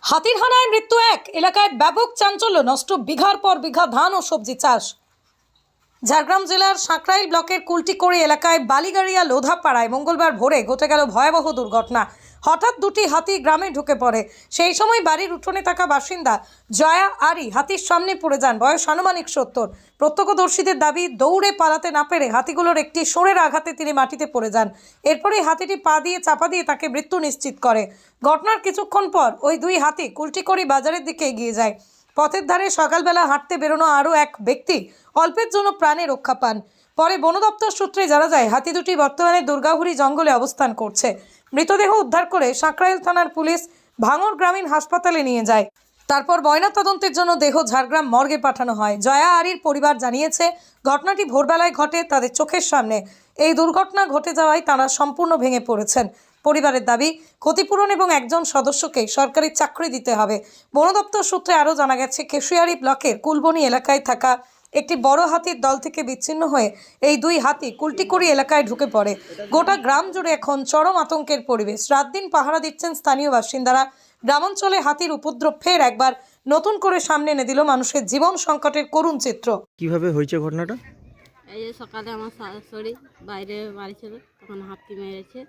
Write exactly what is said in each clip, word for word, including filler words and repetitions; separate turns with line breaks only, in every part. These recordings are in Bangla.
হাতির হানায় মৃত্যু এক এলাকায় ব্যাপক চাঞ্চল্য, নষ্ট বিঘার পর বিঘা ধান ও সবজি চাষ। ঝাড়গ্রাম জেলার সাঁকরাইল ব্লকের কুলটিকড়ি এলাকায় বালিগাড়িয়া লোধাপাড়ায় মঙ্গলবার ভোরে ঘটে গেল ভয়াবহ দুর্ঘটনা। হঠাৎ দুটি হাতি গ্রামে ঢুকে পড়ে। সেই সময় বাড়ির উঠোনে থাকা বাসিন্দা জয়া আরি হাতির সামনে পড়ে যান। বয়স আনুমানিক সত্তর। প্রত্যক্ষদর্শীদের দাবি, দৌড়ে পালাতে না পেরে হাতিগুলোর একটি সোরের আঘাতে তিনি মাটিতে পড়ে যান। এরপরে হাতিটি পা দিয়ে চাপা দিয়ে তাকে মৃত্যু নিশ্চিত করে। ঘটনার কিছুক্ষণ পর ওই দুই হাতি কুলটিকড়ি বাজারের দিকে এগিয়ে যায়। পথের ধারে সকালবেলা হাঁটতে বেরোনো আরও এক ব্যক্তি অল্পের জন্য প্রাণে রক্ষা পান। পরে বন দপ্তর সূত্রে জানা যায়, হাতি দুটি বর্তমানে দুর্গাহুড়ি জঙ্গলে অবস্থান করছে। মৃতদেহ উদ্ধার করে সাঁকরাইল থানার পুলিশ ভাঙড় গ্রামীণ হাসপাতালে নিয়ে যায়। তারপর ময়নাতদন্তের জন্য দেহ ঝাড়গ্রাম মর্গে পাঠানো হয়। জয়া আরির পরিবার জানিয়েছে, ঘটনাটি ভোরবেলায় ঘটে তাদের চোখের সামনে। এই দুর্ঘটনা ঘটে যাওয়ায় তারা সম্পূর্ণ ভেঙে পড়েছেন। পরিবারের দাবি, ক্ষতিপূরণ এবং একজন সদস্যকে সরকারি চাকরি দিতে হবে। বন দপ্তর সূত্রে আরও জানা গেছে, কেশিয়ারি ব্লকের কুলবনি এলাকায় থাকা একটি বড় হাতির দল থেকে বিচ্ছিন্ন হয়ে এই দুই হাতি কুলটিকড়ি এলাকায় ঢুকে পড়ে। গোটা গ্রাম জুড়ে এখন চরম আতঙ্কের পরিবেশ। রাত দিন পাহারা দিচ্ছেন স্থানীয় বাসিন্দারা। গ্রামাঞ্চলে হাতির উপদ্রব ফের একবার নতুন করে সামনে এনে দিল মানুষের জীবন সংকটের করুণ চিত্র।
কিভাবে হয়েছে ঘটনাটা?
এই যে সকালে আমার শাশুড়ি বাইরে বাড়ি ছিল, তখন হাতি মেরেছে।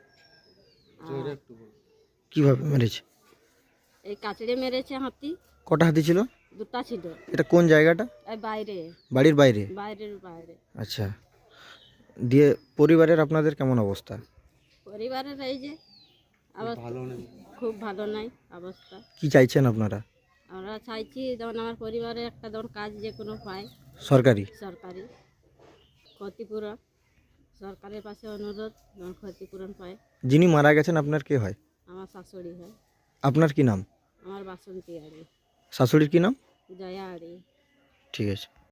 আর
কিভাবে মেরেছে?
এই কাচড়ে মেরেছে হাতি।
কটা হাতি ছিল?
দুটা ছিল।
এটা কোন জায়গাটা?
এই বাইরে,
বাড়ির বাইরে?
বাইরের বাইরে।
আচ্ছা, দিয়ে পরিবারের আপনাদের কেমন অবস্থা?
পরিবারের এই যে অবস্থা খুব ভালো নাই অবস্থা।
কি চাইছেন আপনারা?
আমরা চাইছি যেমন আমার পরিবারে একটা যেমন কাজ যে কোনো পায়,
সরকারি
সরকারি ক্ষতিপূরণ। সরকারের পাশে অনুরোধ যেমন ক্ষতিপূরণ পায়।
যিনি মারা গেছেন আপনার কে হয়?
আমার শাশুড়ি হয়।
আপনার কি নাম?
আমার বাসন্তী আড়ি,
শাশুড়ির কি নাম?
জয়া আড়ি।
ঠিক আছে।